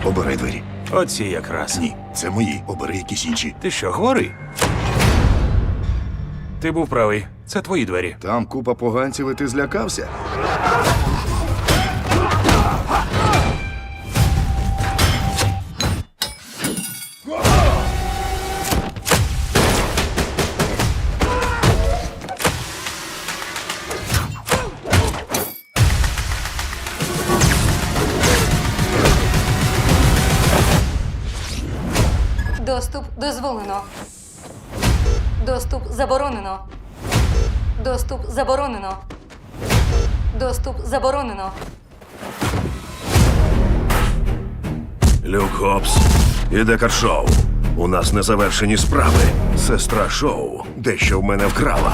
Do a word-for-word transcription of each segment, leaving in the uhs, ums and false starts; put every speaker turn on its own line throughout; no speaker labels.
Обирай двері.
Оці якраз.
Ні, це мої. Обери якісь інші.
Ти що, хворий? Ти був правий. Це твої двері.
Там купа поганців, і ти злякався?
Доступ дозволено. Доступ заборонено. Доступ заборонено. Доступ заборонено.
Люк Гоббс і Декар Шоу. У нас незавершені справи. Сестра Шоу дещо в мене вкрала.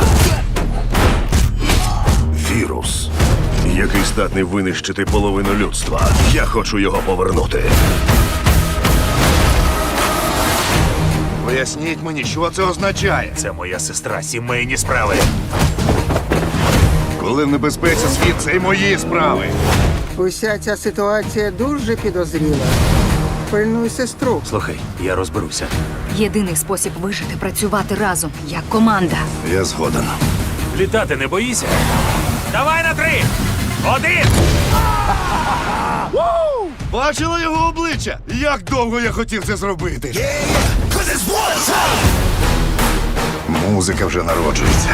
Вірус, який здатний винищити половину людства. Я хочу його повернути.
Поясніть мені, що це означає?
Це моя сестра, сімейні справи.
Коли в небезпеці світ, це й мої справи.
Уся ця ситуація дуже підозріла. Пильнуй сестру.
Слухай, я розберуся.
Єдиний спосіб вижити – працювати разом, як команда.
Я згоден.
Літати не боїся? Давай на три! Один!
Бачила його обличчя? Як довго я хотів це зробити? Музика вже народжується.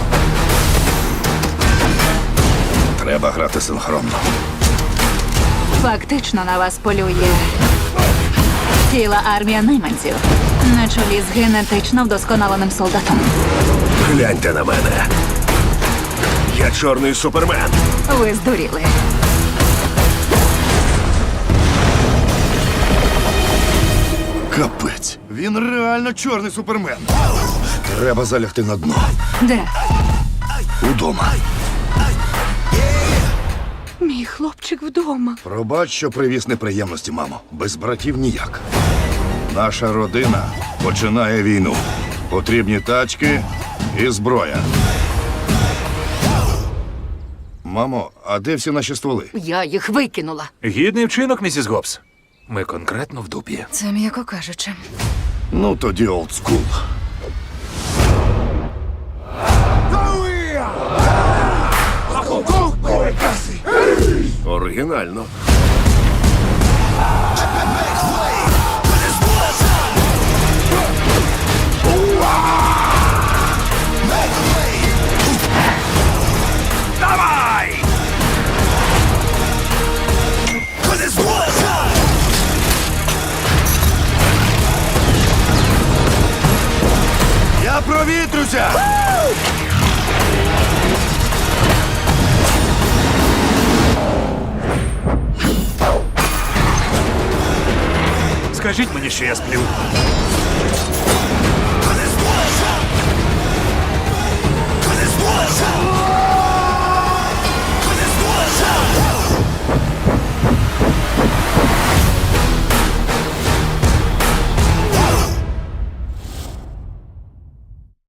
Треба грати синхронно.
Фактично на вас полює ціла армія найманців на чолі з генетично вдосконаленим солдатом.
Гляньте на мене. Я чорний супермен.
Ви здуріли.
Капець. Він реально чорний супермен. Треба залягти на дно.
Де?
Удома.
Мій хлопчик вдома.
Пробач, що привіз неприємності, мамо. Без братів ніяк. Наша родина починає війну. Потрібні тачки і зброя. Мамо, а де всі наші стволи?
Я їх викинула.
Гідний вчинок, місіс Гоббс. Ми конкретно в дупі.
Це м'яко кажучи.
Ну, тоді олдскул.
Оригінально.
Давай!
Я провітрюся!
Скажіть мені, що я сплю.